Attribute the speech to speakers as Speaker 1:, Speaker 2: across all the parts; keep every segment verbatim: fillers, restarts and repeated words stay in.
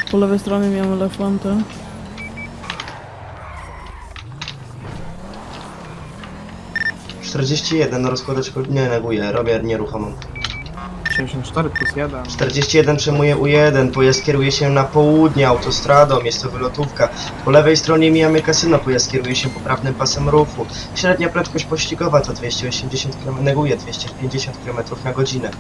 Speaker 1: Po lewej stronie miałem elefanta.
Speaker 2: czterdzieści jeden na rozkładeczku, nie neguję, robię nieruchomą.
Speaker 3: sześćdziesiąt cztery plus jeden.
Speaker 2: czterdzieści jeden przejmuje U jeden, pojazd kieruje się na południe autostradą, jest to wylotówka. Po lewej stronie mijamy kasyno, pojazd kieruje się poprawnym pasem ruchu. Średnia prędkość pościgowa to dwieście osiemdziesiąt kilometrów, neguje dwieście pięćdziesiąt kilometrów na godzinę.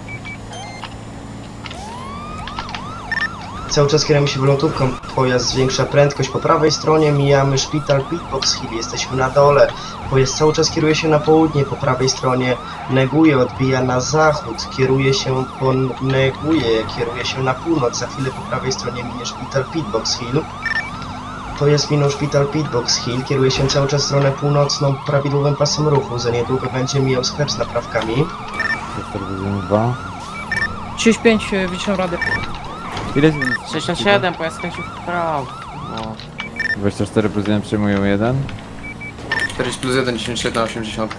Speaker 2: Cały czas kierujemy się wylotówką, pojazd zwiększa prędkość. Po prawej stronie mijamy szpital Pitbox Hill, jesteśmy na dole. Pojazd cały czas kieruje się na południe, po prawej stronie neguje, odbija na zachód, kieruje się po neguje, kieruje się na północ. Za chwilę po prawej stronie minie szpital Pitbox Hill. Pojazd minął szpital Pitbox Hill, kieruje się cały czas w stronę północną prawidłowym pasem ruchu. Za niedługo będzie mijał sklep z naprawkami.
Speaker 4: czterdzieści dwa.
Speaker 5: trzydzieści pięć wyciął radę.
Speaker 4: Ile jest minus?
Speaker 5: sześćdziesiąt siedem, pojazd skręcił w prawo. No.
Speaker 4: dwadzieścia cztery plus jeden przyjmują jeden.
Speaker 3: czterdzieści plus jeden, dziesięć siedem, osiemdziesiąt.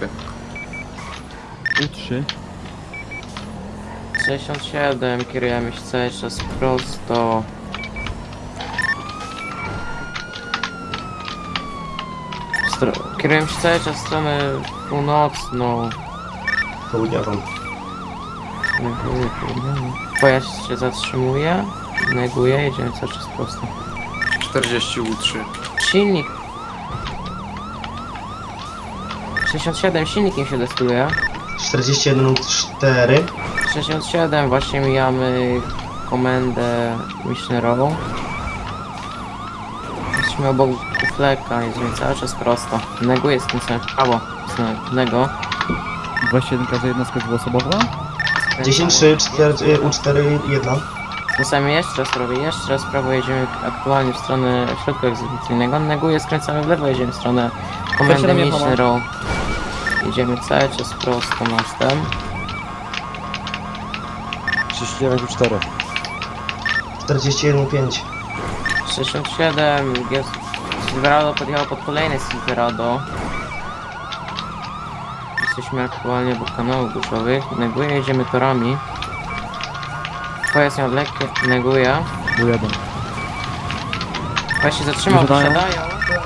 Speaker 4: U trzy.
Speaker 5: sześćdziesiąt siedem, kierujemy się cały czas prosto. Stro kierujemy się cały czas w stronę północną.
Speaker 2: Południową.
Speaker 5: Neguję, południową. Pojazd się zatrzymuje. Neguję, jedziemy cały czas prosto.
Speaker 3: czterdzieści U trzy.
Speaker 5: Silnik. sześćdziesiąt siedem, silnikiem się destyluje.
Speaker 2: czterdzieści jeden U cztery.
Speaker 5: sześćdziesiąt siedem, właśnie mijamy komendę missionerową. Jesteśmy obok fleka, jedziemy cały czas prosto. Neguję skręcamy w prawo. Nego.
Speaker 4: dwadzieścia jeden każda jednostka dwuosobowa?
Speaker 2: dziesięć trzy, U cztery, jeden.
Speaker 5: Skręcamy jeszcze raz prawo, jeszcze raz w prawo, jedziemy aktualnie w stronę środka egzekucyjnego. Neguję, skręcamy w lewo, jedziemy w stronę komendy missionerową. Jedziemy cały czas prosto mostem.
Speaker 4: trzydzieści dziewięć U cztery.
Speaker 2: czterdzieści jeden U pięć.
Speaker 5: sześćdziesiąt siedem, jest Silverado podjechało pod kolejne Silverado. Jesteśmy aktualnie obok kanałów duszowych. Neguję, jedziemy torami. Pojazd miał lekkie, neguję.
Speaker 4: U jeden.
Speaker 5: Pojazd się zatrzymał,
Speaker 4: Wysiadają.
Speaker 5: wysiadają.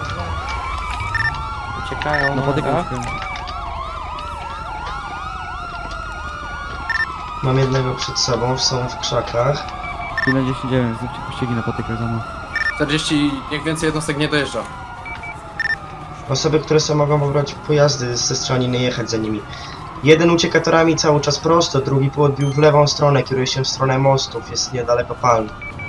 Speaker 5: Uciekają
Speaker 4: No
Speaker 5: na
Speaker 4: podykam
Speaker 5: nogach.
Speaker 4: się.
Speaker 2: Mam jednego przed sobą, są w krzakach.
Speaker 4: pięćdziesiąt dziewięć, zróbcie pościgi na patykach za mną.
Speaker 3: czterdzieści, niech więcej jednostek nie dojeżdża.
Speaker 2: Osoby, które są, mogą pobrać pojazdy ze strony, nie jechać za nimi. Jeden ucieka torami cały czas prosto, drugi podbił w lewą stronę, kieruje się w stronę mostów, jest niedaleko palm.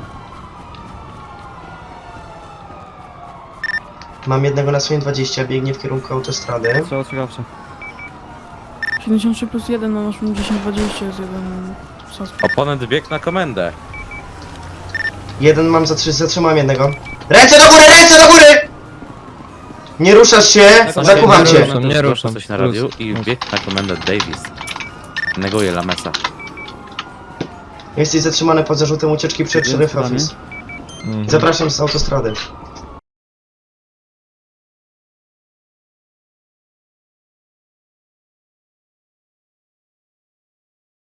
Speaker 2: Mam jednego na swoim dwadzieścia, biegnie w kierunku autostrady.
Speaker 4: Strzał ostrzegawczy.
Speaker 1: siedemdziesiąt trzy plus jeden na naszym dziesięć dwadzieścia jest jeden suspekt.
Speaker 6: Oponent biegł na komendę.
Speaker 2: Jeden mam, zatrzy zatrzymałem jednego. Ręce do góry, ręce do góry! Nie ruszasz się, zakuwam
Speaker 4: nie
Speaker 2: cię.
Speaker 4: ruszam.
Speaker 6: Nie
Speaker 4: nie
Speaker 6: ruszam
Speaker 4: ruszam.
Speaker 6: coś na radiu
Speaker 4: Luz,
Speaker 6: i
Speaker 4: luz.
Speaker 6: biegł na komendę Davis. Neguje Lamesa.
Speaker 2: Jesteś zatrzymany pod zarzutem ucieczki przed
Speaker 4: Jest
Speaker 2: Sheriff
Speaker 4: pytanie?
Speaker 2: Office.
Speaker 4: Mhm.
Speaker 2: Zapraszam z autostrady.